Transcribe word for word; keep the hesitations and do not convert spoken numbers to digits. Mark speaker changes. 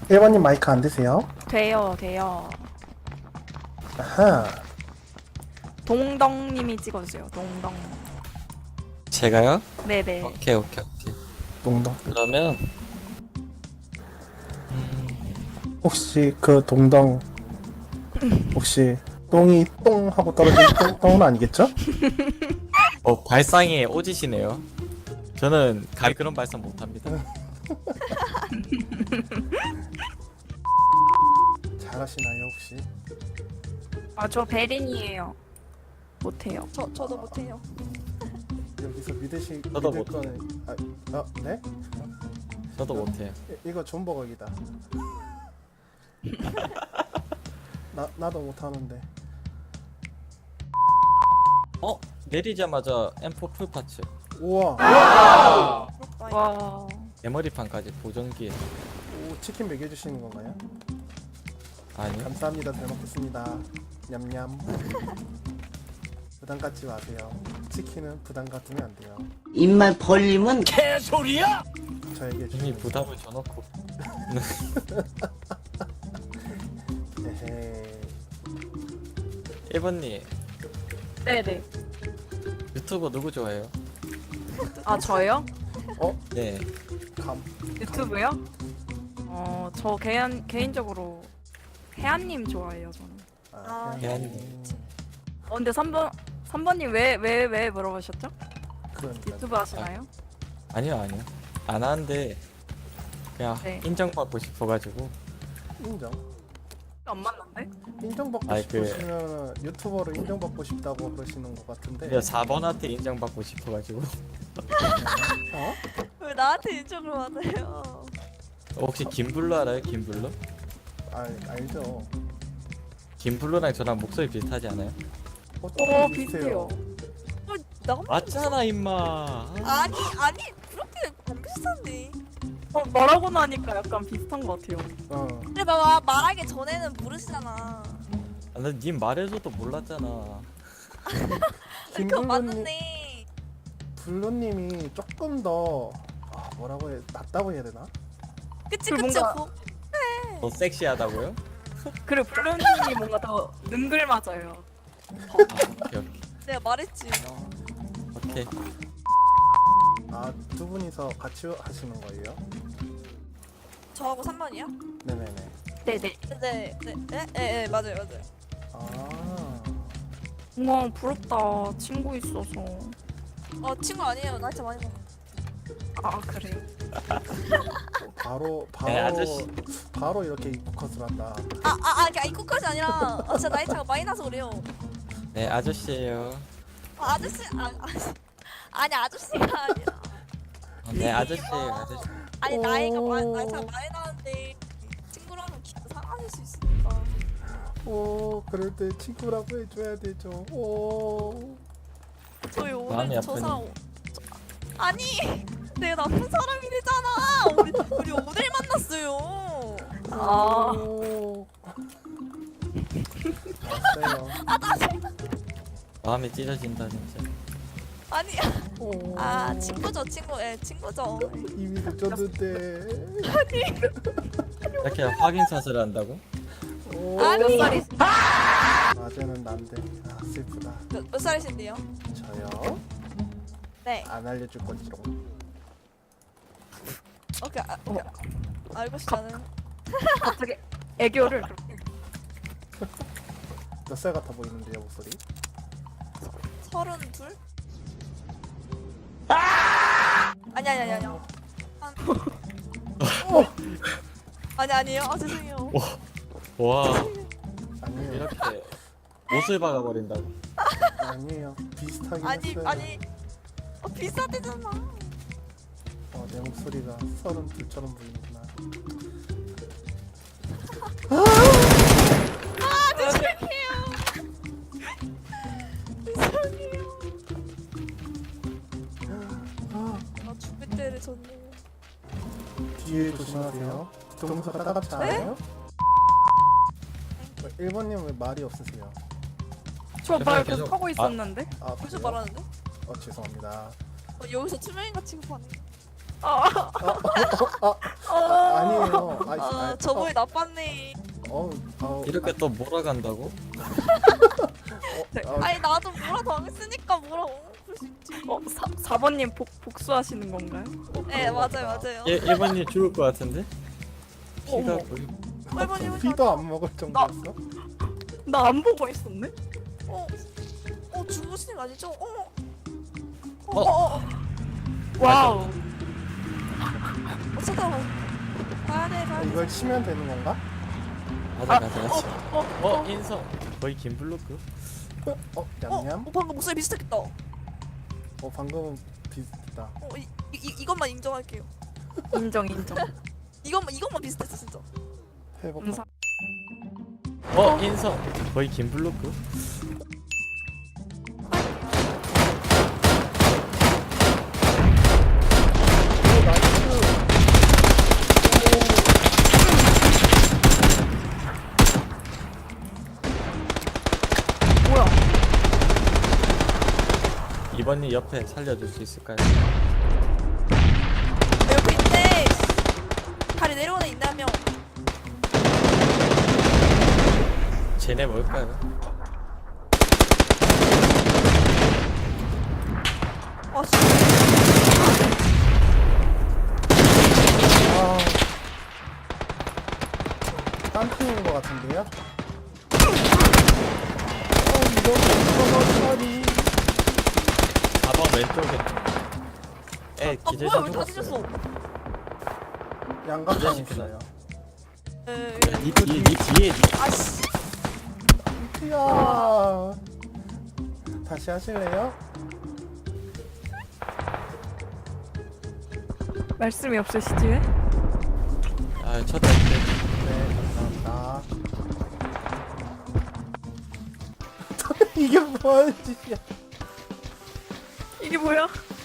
Speaker 1: 일 번님 마이크 안 되세요?
Speaker 2: 돼요, 돼요.
Speaker 1: 아하.
Speaker 2: 동덕님이 찍어주세요. 동덕.
Speaker 3: 제가요?
Speaker 2: 네네.
Speaker 3: 오케이 오케이 오케이.
Speaker 1: 동동.
Speaker 3: 그러면
Speaker 1: 혹시 그 동동 혹시 똥이 똥 하고 떨어진 똥, 똥은 아니겠죠?
Speaker 3: 어 발상에 오지시네요. 저는 가 그런 발상 못합니다.
Speaker 1: 잘하시나요 혹시?
Speaker 2: 아, 저 베린이에요. 못해요.
Speaker 4: 저 저도 못해요.
Speaker 1: 여기서 믿으시
Speaker 3: 저도
Speaker 1: 믿을
Speaker 3: 못-
Speaker 1: 거는 아, 아 네?
Speaker 3: 저도 못해요.
Speaker 1: 이, 이거 존버각이다. 나 나도 못하는데.
Speaker 3: 어 내리자마자 엠 포 풀 파츠.
Speaker 1: 우와.
Speaker 4: 부럽다.
Speaker 2: 와.
Speaker 3: 메모리판까지 보정기에.
Speaker 1: 오, 치킨 먹여주시는 건가요?
Speaker 3: 아니요.
Speaker 1: 감사합니다. 잘 먹겠습니다. 냠냠. 부담 갖지 마세요. 치킨은 부담 갖으면 안 돼요.
Speaker 5: 입만 벌리면
Speaker 1: 저에게
Speaker 3: 이미
Speaker 1: 주시면
Speaker 3: 부담을 줘놓고.
Speaker 1: 에헤이.
Speaker 3: 일 번님
Speaker 2: 네네.
Speaker 3: 유튜버 누구 좋아해요?
Speaker 2: 아, 저요?
Speaker 3: 네.
Speaker 1: 감.
Speaker 2: 유튜브요? 어, 저 개인, 개인적으로 혜안님 좋아해요, 저는.
Speaker 1: 아,
Speaker 4: 아,
Speaker 1: 그냥-
Speaker 3: 혜안님.
Speaker 2: 어, 근데 삼 번, 삼 번님 왜, 왜, 왜 물어보셨죠?
Speaker 1: 그러니까.
Speaker 2: 유튜브 하시나요?
Speaker 3: 아니요 아니요. 안 하는데 그냥
Speaker 2: 네.
Speaker 3: 인정받고 싶어가지고.
Speaker 1: 인정.
Speaker 2: 안 만난데?
Speaker 1: 인정받고
Speaker 3: 아이, 그-
Speaker 1: 싶으시면 유튜버로 인정받고 싶다고 그러시는 것 같은데.
Speaker 3: 그냥 사 번한테 인정받고 싶어가지고.
Speaker 1: 어?
Speaker 4: 왜 나한테 인정을 받아요?
Speaker 3: 혹시 김블루 알아요? 김블루?
Speaker 1: 아, 알죠.
Speaker 3: 김블루랑 저랑 목소리 비슷하지 않아요?
Speaker 1: 어,
Speaker 2: 어, 비슷해요.
Speaker 4: 나
Speaker 3: 맞잖아 임마.
Speaker 4: 아니 아니 그렇게 안 비슷한데.
Speaker 2: 어, 말하고 나니까 약간 비슷한 것 같아요.
Speaker 1: 어.
Speaker 4: 근데 봐봐 말하기 전에는 모르시잖아.
Speaker 3: 아, 나님 말해줘도 몰랐잖아.
Speaker 4: 그거
Speaker 1: 김블루님,
Speaker 4: 맞는데.
Speaker 1: 블루님이 조금 더 아, 뭐라고 해 낫다고 해야 되나?
Speaker 4: 그치
Speaker 2: 그
Speaker 4: 그치.
Speaker 2: 뭔가-
Speaker 4: 고-
Speaker 3: 더 섹시하다고요?
Speaker 2: 그리고 블루님이 뭔가 더 능글맞아요.
Speaker 3: 아, 오케이 오케이.
Speaker 4: 내가 말했지.
Speaker 3: 오케이.
Speaker 1: 아, 두 분이서 같이 하시는 거예요?
Speaker 4: 저하고 삼 번이요?
Speaker 1: 네네네.
Speaker 2: 네네.
Speaker 4: 네, 네, 네, 네, 네, 맞아요, 맞아요.
Speaker 1: 아,
Speaker 2: 우와, 부럽다. 친구 있어서.
Speaker 4: 어 친구 아니에요. 나이차 많이 먹어.
Speaker 2: 아, 그래요?
Speaker 1: 바로 바로
Speaker 3: 네, 아저씨.
Speaker 1: 바로 이렇게 입컷을 한다.
Speaker 4: 아, 아, 아, 그냥 이거까지 아니라 아, 진짜 나이차가 많이 나서 그래요.
Speaker 3: 네 아저씨예요.
Speaker 4: 아, 아저씨, 아, 아저씨. 아니 아저씨가 아니라.
Speaker 3: 어, 네 아저씨예요 아저씨.
Speaker 4: 아니 나이가
Speaker 1: 오.
Speaker 4: 많이 나이차가 많이 나는데 친구라면 기분 상하실 수 있으니까.
Speaker 1: 오, 그럴 때 친구라고 해줘야 되죠. 오,
Speaker 4: 저희
Speaker 3: 마음이
Speaker 4: 오늘 저
Speaker 3: 아프니.
Speaker 4: 사람 저, 아니 내가 나쁜 사람이 되잖아. 우리 우리 오늘 만났어요.
Speaker 2: 아,
Speaker 1: 오. 알았어요.
Speaker 3: 마음이 찢어진다 진짜.
Speaker 4: 아니
Speaker 1: 오.
Speaker 4: 아 친구죠 친구 예 친구죠.
Speaker 1: 이미 늦었는데.
Speaker 3: 이렇게 확인샷을 한다고?
Speaker 1: 오.
Speaker 4: 아니.
Speaker 2: 몇 살이?
Speaker 1: 낮에는 난데. 아, 슬프다.
Speaker 4: 몇, 몇 살이신데요?
Speaker 1: 저요?
Speaker 4: 네.
Speaker 1: 안 알려줄 건지롱.
Speaker 4: 오케이. 아, 오케이. 알고 싶다는.
Speaker 2: 갑자기 애교를 그렇게.
Speaker 1: 몇 살 같아 보이는데요, 목소리?
Speaker 4: 서른 둘? 아니 아니 아니 아니. 한... 아니 아니에요. 아 죄송해요.
Speaker 3: 와
Speaker 1: 아니에요.
Speaker 3: 이렇게 못을 박아버린다고.
Speaker 1: 아니에요. 비슷하긴
Speaker 4: 아니
Speaker 1: 했어요.
Speaker 4: 아니. 어, 비싸대잖아.
Speaker 1: 어, 내 목소리가 서른 둘처럼 보이는구나.
Speaker 4: 아 죄송해요. 죄송해요.
Speaker 1: 아,
Speaker 4: 아 준비 때를 졌네요.
Speaker 1: 뒤에 조심하세요. 동서가 따갑지 않아요? 일 번님 왜 말이 없으세요?
Speaker 2: 저 말
Speaker 3: 계속-
Speaker 2: 계속 하고 있었는데?
Speaker 1: 아,
Speaker 4: 벌써
Speaker 1: 그래요?
Speaker 4: 말하는데?
Speaker 1: 어, 죄송합니다.
Speaker 4: 어, 여기서 투명인가 취급하네.
Speaker 2: 아,
Speaker 1: 아, 아니에요. 아,
Speaker 4: 아
Speaker 1: 아,
Speaker 4: 저번에 나빴네.
Speaker 1: 어, 어,
Speaker 3: 이렇게 또 몰아간다고?
Speaker 1: 어, 어,
Speaker 4: 아니 나도 뭐라 당했으니까 뭐라고 그럴 수 있지.
Speaker 2: 어, 사, 사 번님 복, 복수하시는 건가요?
Speaker 4: 네 맞아요 맞아요.
Speaker 3: 얘 일 번님 죽을 것 같은데? 피가
Speaker 2: 어머.
Speaker 3: 거의
Speaker 4: 일 번님
Speaker 1: 피도 안 먹을 정도였어?
Speaker 2: 나 안 보고 있었네?
Speaker 4: 어, 어 주무시는 거 아니죠? 어.
Speaker 3: 어.
Speaker 4: 어, 어, 어,
Speaker 2: 와우.
Speaker 4: 어, 쳐다봐. 가야 돼, 가야 돼.
Speaker 1: 이걸 치면 되는 건가?
Speaker 3: 가자 가자 가자.
Speaker 2: 어,
Speaker 3: 어 인성 거의 김블로크?
Speaker 1: 어,
Speaker 4: 어,
Speaker 1: 냠냠.
Speaker 4: 어, 방금 목소리 비슷했겠다. 어,
Speaker 1: 어, 방금은 비슷했다.
Speaker 4: 이, 이, 이- 이것만 인정할게요.
Speaker 2: 인정, 인정.
Speaker 4: 이것만, 이것만 비슷했어, 진짜.
Speaker 1: 회복.
Speaker 2: 음사.
Speaker 3: 어 인성 거의 김블로크?
Speaker 1: 오, 나이스.
Speaker 2: 뭐야?
Speaker 3: 이 번님 옆에 살려줄 수 있을까요?
Speaker 4: 내 옆에 있네. 다리 내려오는 있네, 한 명.
Speaker 3: 쟤네 뭘까요?
Speaker 4: 와, 진짜.
Speaker 1: 아, 딴 팀인 것 같은데요? 어, 이거 이거
Speaker 3: 가방 왼쪽에 에
Speaker 4: 아,
Speaker 3: 기절
Speaker 4: 뭐야,
Speaker 3: 좀
Speaker 4: 왜다 뒤졌어?
Speaker 1: 양각장 있어요.
Speaker 4: 에,
Speaker 3: 니 뒤에 니 뒤에
Speaker 4: 아씨.
Speaker 1: 이야. 다시 하실래요?
Speaker 2: 말씀이 없으시지 왜?
Speaker 3: 아 쳐다볼게.
Speaker 1: 네, 감사합니다. 이게 뭐하는 짓이야?
Speaker 2: 이게 뭐야?